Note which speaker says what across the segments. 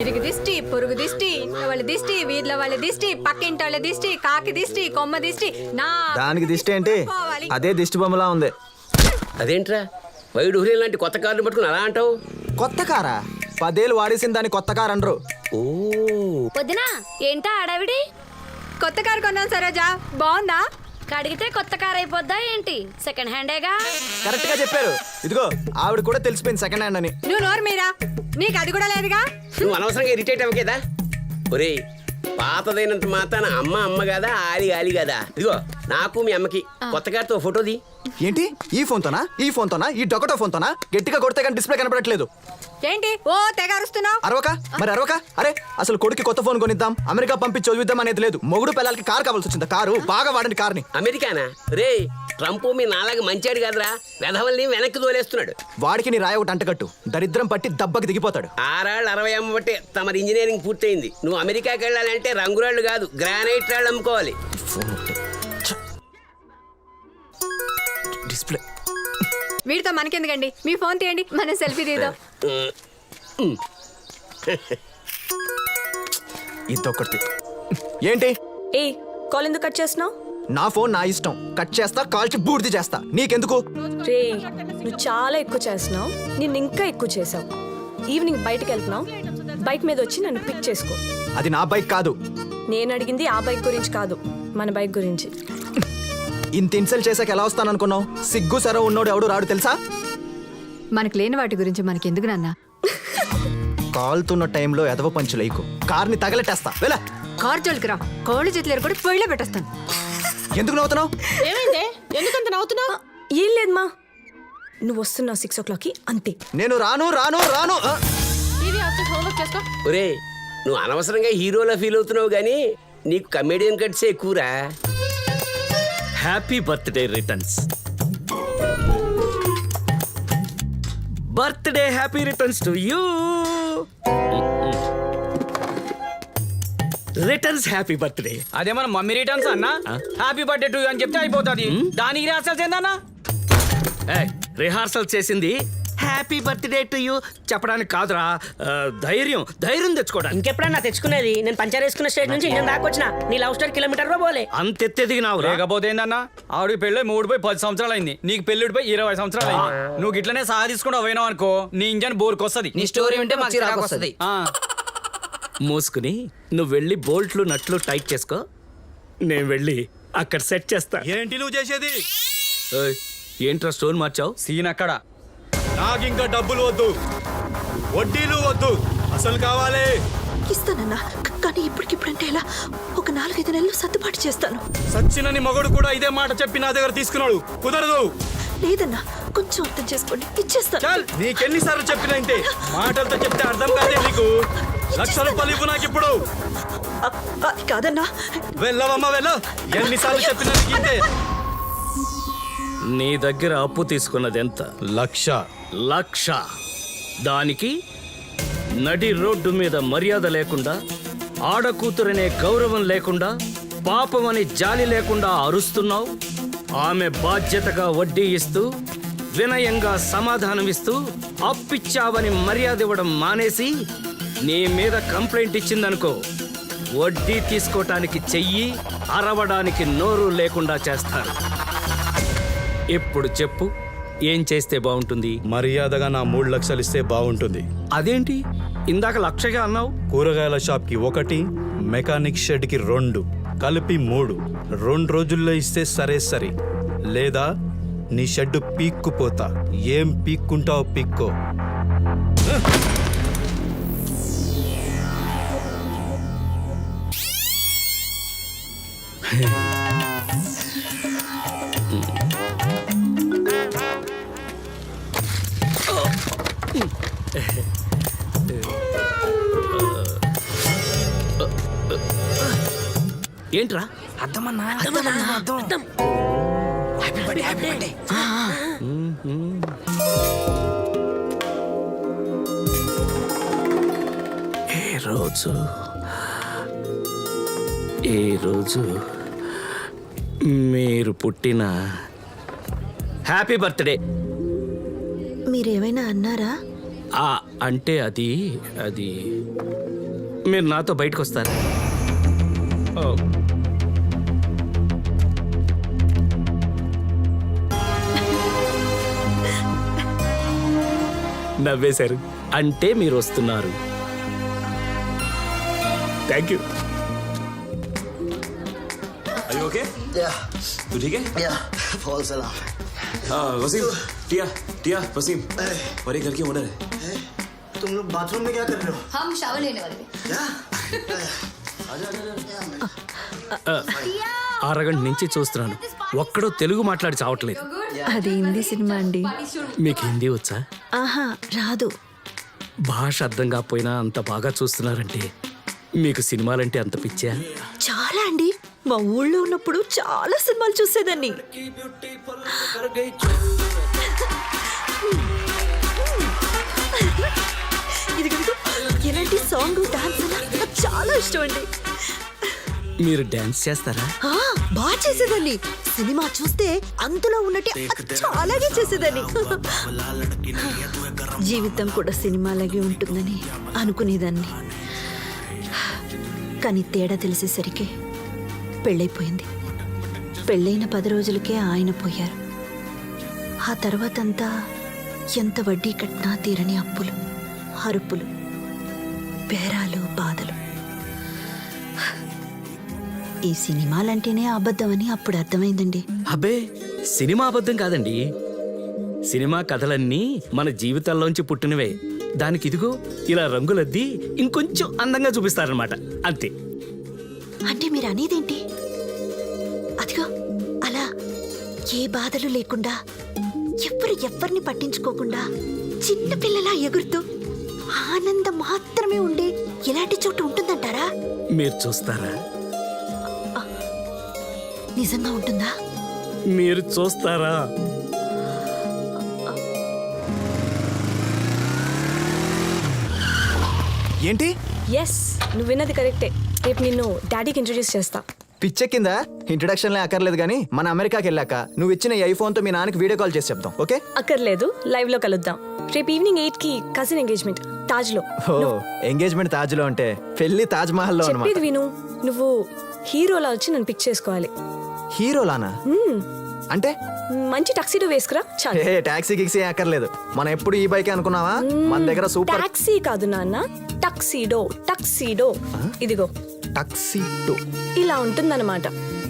Speaker 1: ఇరుగు దిష్టి, పొరుగు దిష్టి, ఇంట్లో వాళ్ళ దిష్టి, వీధిలో వాళ్ళ దిష్టి, పక్కింటి వాళ్ళ దిష్టి, కాకి దిష్టి, కొమ్మ దిష్టి. నా
Speaker 2: దానికి దిష్టి ఏంటి? అదే దిష్టి బొమ్మలా ఉంది.
Speaker 3: అదేంట్రా వైడ్ హురియన్ లాంటి కొత్త కార్లు పట్టుకుని అలా అంటావు?
Speaker 2: కొత్త కారా? 10 ఏళ్ళు వాడేసిన దాన్ని కొత్త కారు అనరు.
Speaker 3: ఓ
Speaker 4: వదినా ఏంటా ఆడావిడి?
Speaker 1: కొత్త కారు కొన్నాను సరోజా, బాగుందా?
Speaker 4: కడిగితే కొత్త కార్ అయిపోద్దా ఏంటి? సెకండ్ హ్యాండేగా.
Speaker 2: కరెక్ట్ గా చెప్పారు. ఇదిగో ఆవిడ కూడా తెలిసిపోయింది సెకండ్ హ్యాండ్ అని.
Speaker 1: నువ్వు నోరు మీరా, నీకు అది కూడా లేదుగా.
Speaker 3: నువ్వు అనవసరంగా ఇరిటేట్ అవ్వకేదా? ఒరే పాతదైనంత మాత్రాన అమ్మ అమ్మ కదా, ఆలి ఆలి కదా. ఇదిగో నాకు మీ అమ్మకి కొత్త కార్తో ఫోటోది.
Speaker 2: ఏంటి ఈ ఫోన్ తోనా? ఈ ఫోన్ తోనా? ఈ డొకటో ఫోన్ తోనా? గట్టిగా కొడితే కానీ డిస్ప్లే కనపడట్లేదు.
Speaker 1: ఏంటి ఓ తెగ అరుస్తున్నావు?
Speaker 2: అరవక మరి అరవక. అరే అసలు కొడుకు కొత్త ఫోన్ కొనిద్దాం, అమెరికా పంపించి చదివిద్దాం అనేది లేదు. మొగుడు పిల్లలకి కారు కావాల్సి వచ్చింది. కారు బాగా వాడండి కార్ని.
Speaker 3: అమెరికానా? రే ట్రంప్ మీ నాలాగా మంచాడు కాదురా, వెధవల్ని వెనక్కి తోలేస్తున్నాడు.
Speaker 2: వాడికి నీ రాయ ఒకటి అంటకట్టు, దరిద్రం పట్టి దెబ్బకి దిగిపోతాడు.
Speaker 3: 6 ఏళ్ళు 60 అమ్మ బట్టే తమరి ఇంజనీరింగ్ పూర్తయింది. నువ్వు అమెరికాకి వెళ్ళాలంటే రంగురాళ్ళు కాదు, గ్రానైట్ రాళ్ళు అమ్ముకోవాలి.
Speaker 2: ఫోన్ డిస్ప్లే
Speaker 1: వీడితో మనకెందుకండి, మీ ఫోన్ తీయండి, మనం సెల్ఫీ తీద్దాం.
Speaker 2: ఇదొక్కటి. ఏంటి
Speaker 5: ఏ కాల్ ఎందుకు కట్ చేస్తున్నావు?
Speaker 2: నా ఫోన్ నా ఇష్టం, కట్ చేస్తా, కాల్చి బూర్ది చేస్తా. నీకెందుకు?
Speaker 5: రే నువ్వు చాలా ఎక్కువ చేస్తున్నావు, నిన్ను ఇంకా ఎక్కువ చేసావు. ఈవినింగ్ బయటకు వెళ్తున్నావు, బైక్ మీద వచ్చి నన్ను పిక్ చేసుకో.
Speaker 2: అది నా బైక్ కాదు.
Speaker 5: నేను అడిగింది ఆ బైక్ గురించి కాదు, మన బైక్ గురించి.
Speaker 2: ఇంత ఇన్సల్ట్ చేసాక ఎలా వస్తాను అనుకున్నావు? సిగ్గు సరో ఉన్నోడు ఎవడు రాడు తెలుసా?
Speaker 1: మనకు లేని వాటి గురించి మనకెందుకు నాన్న?
Speaker 2: కాలుతున్న టైంలో ఎదవ పంచులేకు, కార్ని తగలెట్టేస్తా. వెళ్ళా
Speaker 1: కార్ జోలికి రా, కోళ్ళు చేతులు కూడా పొయ్యిలో పెట్టేస్తాను.
Speaker 2: ఎందుకు నవ్వుతున్నావు?
Speaker 6: ఏమైందే? ఎందుకంత నవ్వుతున్నావు?
Speaker 5: ఏం లేదమ్మా, నువ్వు వస్తున్నావు 6 o'clockకి అంతే.
Speaker 2: నేను రాను రాను రాను.
Speaker 6: టీవీ ఆఫ్ చేసి హోంవర్క్ చేసుకో.
Speaker 3: ఒరే నువ్వు అనవసరంగా హీరోలా ఫీల్ అవుతున్నావు గానీ నీకు కమెడియన్ కట్సే ఎక్కువరా.
Speaker 7: Happy birthday returns. Birthday happy returns to you. Returns happy birthday.
Speaker 8: అదే మన మమ్మీ రిటర్న్స్ అన్న. హ్యాపీ బర్త్డే టు యూ అని చెప్తే అయిపోతుంది. దానికి రిహార్సల్స్ ఏందన్నా?
Speaker 7: రిహార్సల్ చేసింది హ్యాపీ బర్త్డే టు యూ చెప్పడానికి కాదురా, ధైర్యం తెచ్చుకోవడానికి.
Speaker 9: ఇంకెప్పుడన్నా తెచ్చుకునేది? నేను పంచర్ వేసుకున్న స్టేజ్ నుంచి ఇండియన్ దాకా వచ్చిన. నీ లవ్ స్టోరీ కిలోమీటర్ లో పోలే.
Speaker 7: అంతెత్తెదిగినావు.
Speaker 8: లేకపోతే ఏందన్నా, ఆవిడకి పెళ్ళి 10 సంవత్సరాలు అయింది, నీకు పెళ్ళిడిపోయి 20 సంవత్సరాలు అయింది. నువ్వు ఇట్లనే సాధించుకుంటూ పోయినావు అనుకో, నీ ఇంజన్ బోర్కొస్తుంది. నీ స్టోరీ ఉంటే మాకు చిరాకు వస్తుంది.
Speaker 7: మూసుకుని నువ్వు వెళ్ళి బోల్ట్లు నట్లు టైట్ చేసుకో, నేను వెళ్ళి అక్కడ సెట్ చేస్తా.
Speaker 10: ఏంటి నువ్వు చేసేది?
Speaker 7: ఏంట్రా స్టోన్ మార్చావు?
Speaker 8: సీన్ అక్కడ.
Speaker 10: నాకు ఇంకా డబ్బులు వద్దు, వడ్డీలు వద్దు, అసలు కావాలి.
Speaker 5: ఇస్తానన్నా, కానీ ఇప్పటికిప్పుడంటే ఎలా? ఒక 4-5 నెలలు సర్దుబాటు చేస్తాను.
Speaker 10: సచ్చినని మగడు కూడా ఇదే మాట చెప్పి నా దగ్గర తీసుకున్నాడు. కుదరదు.
Speaker 5: లేదన్నా, కొంచెం అర్థం చేసుకోండి, ఇచ్చేస్తాను.
Speaker 10: చల్, నీకెన్నిసార్లు చెప్పినా ఇంతే. మాటలతో చెప్తే అర్థం కాదే నీకు. 1,00,000 రూపాయలు ఇవ్వు నాకు ఇప్పుడు.
Speaker 5: అది కాదన్నా.
Speaker 10: వెళ్ళవమ్మా వెళ్ళు. ఎన్నిసార్లు చెప్పినా నీకు ఇంతే.
Speaker 7: నీ దగ్గర అప్పు తీసుకున్నది ఎంత?
Speaker 10: 1,00,000.
Speaker 7: దానికి నడి రోడ్డు మీద మర్యాద లేకుండా, ఆడకూతురనే గౌరవం లేకుండా, పాపమని జాలి లేకుండా అరుస్తున్నావు. ఆమె బాధ్యతగా వడ్డీ ఇస్తూ, వినయంగా సమాధానమిస్తూ, అప్పిచ్చావని మర్యాద ఇవ్వడం మానేసి నీ మీద కంప్లైంట్ ఇచ్చిందనుకో, వడ్డీ తీసుకోవటానికి చెయ్యి, అరవడానికి నోరు లేకుండా చేస్తాను. ఇప్పుడు చెప్పు, ఏం చేస్తే బాగుంటుంది?
Speaker 10: మర్యాదగా నా 3 లక్షలు ఇస్తే బాగుంటుంది.
Speaker 7: అదేంటి ఇందాక 1,00,000గా అన్నావు?
Speaker 10: కూరగాయల షాప్కి 1, మెకానిక్ షెడ్కి 2, కలిపి 3. 2 రోజుల్లో ఇస్తే సరే, లేదా నీ షెడ్ పీక్కుపోతా. ఏం పీక్కుంటావు పీక్కో.
Speaker 7: ఏంట్రా? ఏ రోజు మీరు పుట్టిన
Speaker 3: హ్యాపీ బర్త్డే.
Speaker 5: మీరేమైనా అన్నారా?
Speaker 7: అంటే అది అది మీరు నాతో బయటకు వస్తారా? ఓ. నవ్వేశారు అంటే మీరు వస్తున్నారు. Thank you.
Speaker 11: ओके तू ठीक है?
Speaker 2: बहुत सलाम.
Speaker 11: वसीम, टिया टिया वसीम, और ये घर की ओनर है.
Speaker 2: तुम लोग बाथरूम में क्या कर रहे हो?
Speaker 6: हम शावर लेने वाले
Speaker 2: क्या?
Speaker 7: అరగంట నుంచి చూస్తున్నాను, ఒక్కడో తెలుగు మాట్లాడి చావట్లేదు.
Speaker 5: అది హిందీ సినిమా అండి.
Speaker 7: మీకు హిందీ వచ్చా?
Speaker 5: ఆహా, రాదు.
Speaker 7: భాష అర్థం కాకపోయినా అంత బాగా చూస్తున్నారంటే మీకు సినిమాలంటే అంత పిచ్చా?
Speaker 5: చాలా అండి. మా ఊళ్ళో ఉన్నప్పుడు చాలా సినిమాలు చూసేదాన్ని. ఇదిగో ఎలాంటి సాంగ్ డాన్స్ నాకు చాలా ఇష్టం అండి.
Speaker 7: మీరు డాన్స్ చేస్తారా?
Speaker 5: బాగా చేసేదాన్ని. సినిమా చూస్తే అందులో ఉన్నట్టు చాలాగే చేసేదాన్ని. జీవితం కూడా సినిమాలాగే ఉంటుందని అనుకునేదాన్ని. కానీ తేడా తెలిసేసరికి పెళ్ళైపోయింది. పెళ్ళైన 10 రోజులకే ఆయన పోయారు. ఆ తర్వాతంతా ఎంత వడ్డీ కట్టినా తీరని అప్పులు, అరుపులు, బేరాలు, బాధలు. ఈ సినిమాలంటేనే అబద్ధమని అప్పుడు అర్థమైందండి.
Speaker 7: అబ్బే, సినిమా అబద్ధం కాదండి. సినిమా కథలన్నీ మన జీవితాల్లోంచి పుట్టినవే. దానికి ఇదిగో ఇలా రంగులద్ది ఇంకొంచెం అందంగా చూపిస్తారనమాట, అంతే.
Speaker 5: అంటే మీరు అనేదేంటి? అదిగో అలా ఏ బాధలు లేకుండా, ఎవరిని పట్టించుకోకుండా చిన్నపిల్లలా ఎగురుతూ ఆనందం మాత్రమే ఉండే ఇలాంటి చోటు ఉంటుందంటారా?
Speaker 7: మీరు చూస్తారా?
Speaker 5: నిజంగా ఉంటుందా?
Speaker 7: మీరు చూస్తారా?
Speaker 2: ఏంటి?
Speaker 5: ఎస్, నువ్వు విన్నది కరెక్టే. రేపు నిన్ను డాడీకి ఇంట్రొడ్యూస్ చేస్తా.
Speaker 2: పిచ్చే కింద ఇంట్రడక్షన్లే అక్కర్లేదు కానీ మన అమెరికాకి వెళ్ళాక నువ్వు ఇచ్చిన ఈ ఐఫోన్తో మీ నాన్నకి వీడియో కాల్ చేసి చెప్తాం, ఓకే?
Speaker 5: అక్కర్లేదు, లైవ్ లో కలుద్దాం. రేపు ఈవినింగ్ 8కి కజిన్ ఎంగేజ్మెంట్ తాజ్ లో.
Speaker 2: ఓ, ఎంగేజ్మెంట్ తాజ్ లో అంటే పెళ్లి తాజ్ మహల్ లో
Speaker 5: చెప్పేది
Speaker 2: అన్నమాట.
Speaker 5: విను. నువ్వు హీరోలా వచ్చి నన్ను పిక్ చేసుకోవాలి.
Speaker 2: హీరోలానా? అంటే
Speaker 5: మంచి టక్సీడో వేసుకురా చాలు.
Speaker 2: ఏ టాక్సీ గిక్సీ అక్కర్లేదు. మనం ఎప్పుడు ఈ బైక్ అనుకున్నావా? మన దగ్గర సూపర్
Speaker 5: టాక్సీ కాదు నాన్న, టక్సీడో. టక్సీడో ఇదిగో
Speaker 2: టక్సీడో
Speaker 5: ఇలా ఉంటుందన్నమాట.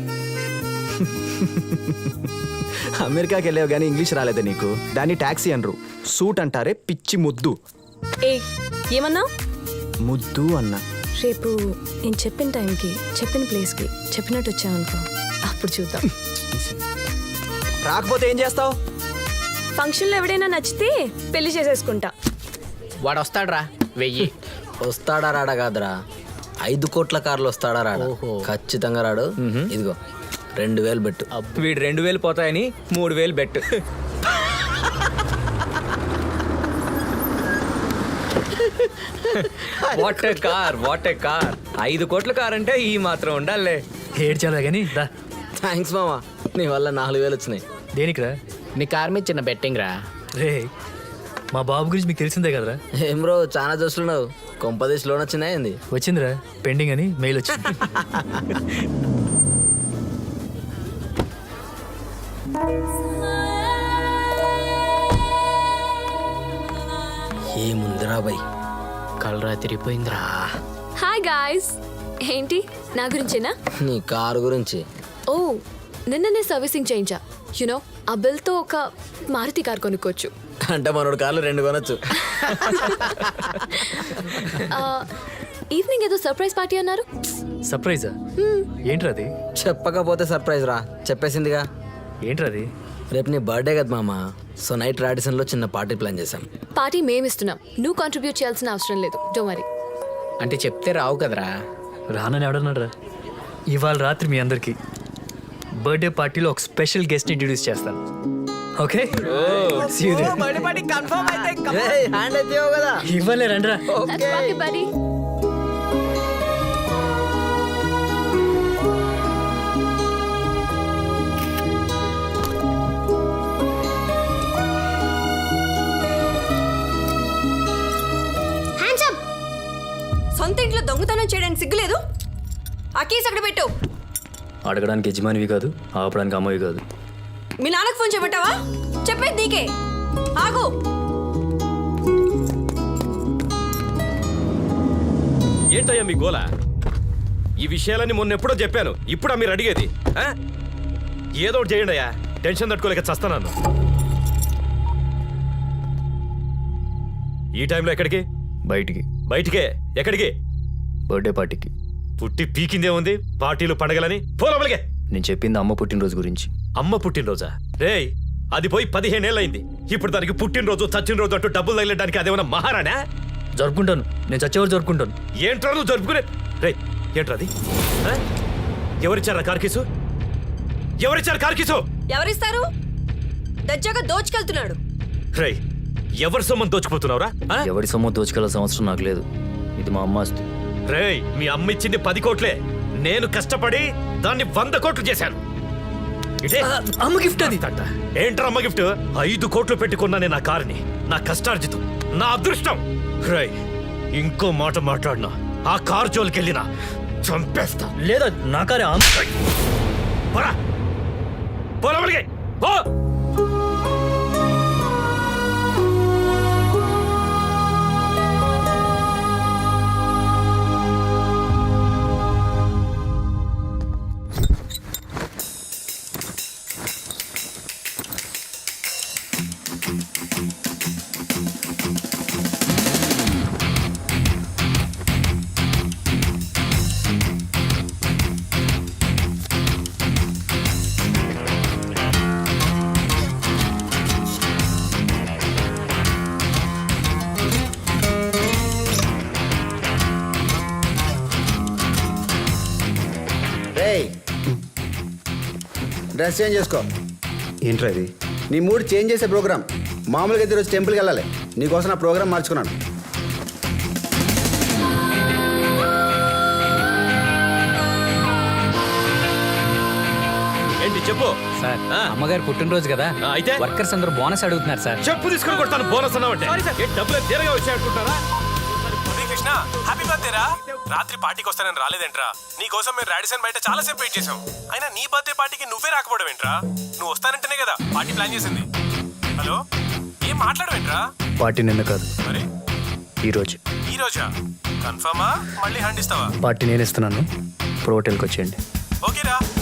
Speaker 2: అమెరికాకి వెళ్ళావు కానీ ఇంగ్లీష్ రాలేదా నీకు? దాన్ని టాక్సీ అనరు, సూట్ అంటారే పిచ్చి ముద్దు.
Speaker 5: ఏ ఏమన్నా?
Speaker 2: ముద్దు అన్నా.
Speaker 5: రేపు నేను చెప్పిన టైంకి చెప్పిన ప్లేస్కి చెప్పినట్టు వచ్చావనుకో, అప్పుడు చూద్దాం.
Speaker 2: రాకపోతే ఏం చేస్తావు?
Speaker 5: ఫంక్షన్లో ఎవడైనా నచ్చితే పెళ్లి చేసేసుకుంటా.
Speaker 8: వాడు వస్తాడ్రా 1000.
Speaker 12: వస్తాడా రాడా కాదురా, 5 కోట్ల కార్లు వస్తాడా రాడా? ఖచ్చితంగా రాడు. ఇదిగో 2000 బెట్టు.
Speaker 8: వీడు 2000 పోతాయని 3000 bet. What a car, what a car. 5 కోట్ల కార్ అంటే ఈ మాత్రం ఉండాలే.
Speaker 7: ఏడ్చాలా కానీ దా.
Speaker 12: థ్యాంక్స్ మామా, నీ వల్ల 4000 వచ్చినాయి.
Speaker 7: దేనికిరా?
Speaker 8: నీ కార్ మీద చిన్న బెట్టింగ్ రా.
Speaker 7: రే, మా బాబు గురించి మీకు తెలిసిందే కదరా?
Speaker 12: ఏం బ్రో చాలా చూస్తున్నావు, కొంపదేశ్ లోన్ వచ్చిందా ఏంది?
Speaker 7: వచ్చిందిరా, పెండింగ్ అని మెయిల్ వచ్చింది.
Speaker 12: ఏముందిరా బై,
Speaker 8: కలరా తిరిగిపోయిందిరా.
Speaker 5: Hi guys. ఏంటి నా గురించేనా?
Speaker 12: నీ కారు గురించి.
Speaker 5: ఓ, నిన్ననే సర్వీసింగ్ చేయించా. యునో ఆ బిల్తో ఒక మారుతి కార్ కొనుక్కోవచ్చు.
Speaker 12: అంటే మనోడు కార్లు 2 కొనొచ్చు.
Speaker 5: ఈవినింగ్ ఏదో సర్ప్రైజ్ పార్టీ అన్నారు.
Speaker 7: సర్ప్రైజా? ఏంట్రా అది?
Speaker 12: చెప్పకపోతే సర్ప్రైజ్ రా, చెప్పేసిందిగా.
Speaker 7: ఏంట్రా అది?
Speaker 12: రేపు నీ బర్త్డే కదా మామ, సో నైట్ రాడిసన్లో చిన్న పార్టీ ప్లాన్ చేశాం.
Speaker 5: పార్టీ మేమిస్తున్నాం, నువ్వు కాంట్రిబ్యూట్ చేయాల్సిన అవసరం లేదు. Don't worry.
Speaker 8: అంటే చెప్తే రావు కదరా.
Speaker 7: రానని ఎవడన్నారా? ఇవాళ రాత్రి మీ అందరికి బర్త్డే పార్టీలో ఒక స్పెషల్ గెస్ట్ ఇంట్రడ్యూస్ చేస్తాను, ఓకే?
Speaker 12: హ్యాండ్ అయితే కదా.
Speaker 7: ఇవ్వలే రండ్రా.
Speaker 5: buddy.
Speaker 1: సొంత ఇంట్లో దొంగతనం చేయడానికి సిగ్గులేదు? ఆ కీస్ అక్కడ పెట్టు.
Speaker 8: అడగడానికి యజమానివి కాదు, ఆపడానికి అమ్మవి కాదు.
Speaker 1: మీ నాన్నకు ఫోన్ చేయమంటావా? చెప్పేది నీకే. ఆగు.
Speaker 8: ఏంటయ్యా మీ గోల? ఈ విషయాలన్నీ మొన్న ఎప్పుడో చెప్పాను, ఇప్పుడా మీరు అడిగేది? ఏదో ఒకటి చేయండి అయ్యా, టెన్షన్ తట్టుకోలేక చస్తాను. ఈ టైంలో ఎక్కడికి?
Speaker 10: బయటికి.
Speaker 8: బయటికే? ఎక్కడికి?
Speaker 10: బర్త్డే పార్టీకి.
Speaker 8: పుట్టి పీకిందే ఉంది, పార్టీలు పండగలని. పోలవలిగే.
Speaker 10: నేను చెప్పింది అమ్మ పుట్టినరోజు గురించి.
Speaker 8: అమ్మ పుట్టినరోజా? రేయ్, అది పోయి 15 ఏళ్ళయింది. ఇప్పుడు దానికి పుట్టినరోజు చచ్చిన రోజు అంటూ డబ్బులు తగిలడానికి అదేమన్నా మహారాణా?
Speaker 10: జరుపుకుంటాను, నేను చచ్చేవారు జరుపుకుంటాను.
Speaker 8: ఏంట్రా నువ్వు జరుపుకునే? రే, ఏంట్రా అది? ఎవరిచ్చారా కార్కీసు? ఎవరిచ్చారు కార్కీసు?
Speaker 1: ఎవరిస్తారు? దజ్జాగా దోచుకెళ్తున్నాడు.
Speaker 8: రే, ఎవరి సొమ్మని దోచుకుపోతున్నావురా?
Speaker 10: ఎవరి సొమ్ము దోచుకెళ్ళాల్సిన అవసరం నాకు లేదు. ఇది మా అమ్మ ఆస్తి.
Speaker 8: రేయ్, మీ అమ్మ ఇచ్చింది 10 కోట్లే. నేను కష్టపడి దాన్ని 100 కోట్లు చేశాను. ఇదే
Speaker 10: అమ్మ గిఫ్ట్ అది.
Speaker 8: ఏంట్రా అమ్మ గిఫ్ట్? 5 కోట్లు పెట్టుకున్నానే నా కారుని. నా కష్టార్జితం, నా అదృష్టం. రేయ్, ఇంకో మాట మాట్లాడినా ఆ కారు జోలికెళ్ళినా చంపేస్తా.
Speaker 10: లేదా నా కారే
Speaker 8: పోరా, పోలవలిగే, పో.
Speaker 2: డ్రెస్ చేంజ్ చేసుకో.
Speaker 10: ఏంట్రా ఇది?
Speaker 2: నీ మూడ్ చేంజ్ చేసే ప్రోగ్రామ్. మామూలుగా అయితే ఈరోజు టెంపుల్కి వెళ్ళాలి, నీకోసం నా ప్రోగ్రామ్ మార్చుకున్నాను.
Speaker 8: ఏంటి చెప్పు.
Speaker 7: సార్, అమ్మగారు పుట్టినరోజు కదా,
Speaker 8: అయితే
Speaker 7: వర్కర్స్ అందరూ బోనస్ అడుగుతున్నారు సార్.
Speaker 8: చెప్పు తీసుకుని కొడతాను. బోనస్ అన్నావంటే డబ్బులు తీరగా వచ్చాయనుకుంటారా?
Speaker 11: కృష్ణ, హ్యాపీ బర్త్డే రా. రాత్రి పార్టీకి వస్తానని రాలేదేంట్రా? నీ కోసం మేము రాడిసన్ బయట చాలా సేపు వెయిట్ చేసాం. అయినా నీ బర్త్డే పార్టీకి నువ్వే రాకపోవడం ఏంట్రా? నువ్వు వస్తానంటేనే కదా పార్టీ ప్లాన్ చేసింది. హలో, ఏం మాట్లాడవేంట్రా?
Speaker 10: పార్టీ నిన్న కాదు,
Speaker 11: మరి
Speaker 10: ఈరోజు.
Speaker 11: ఈ రోజా? కన్ఫర్మా? మళ్ళీ హ్యాండ్ ఇస్తావా?
Speaker 10: పార్టీ నేను ఇస్తున్నాను, ఇప్పుడు హోటల్కి వచ్చేయండి.
Speaker 11: ఓకేరా.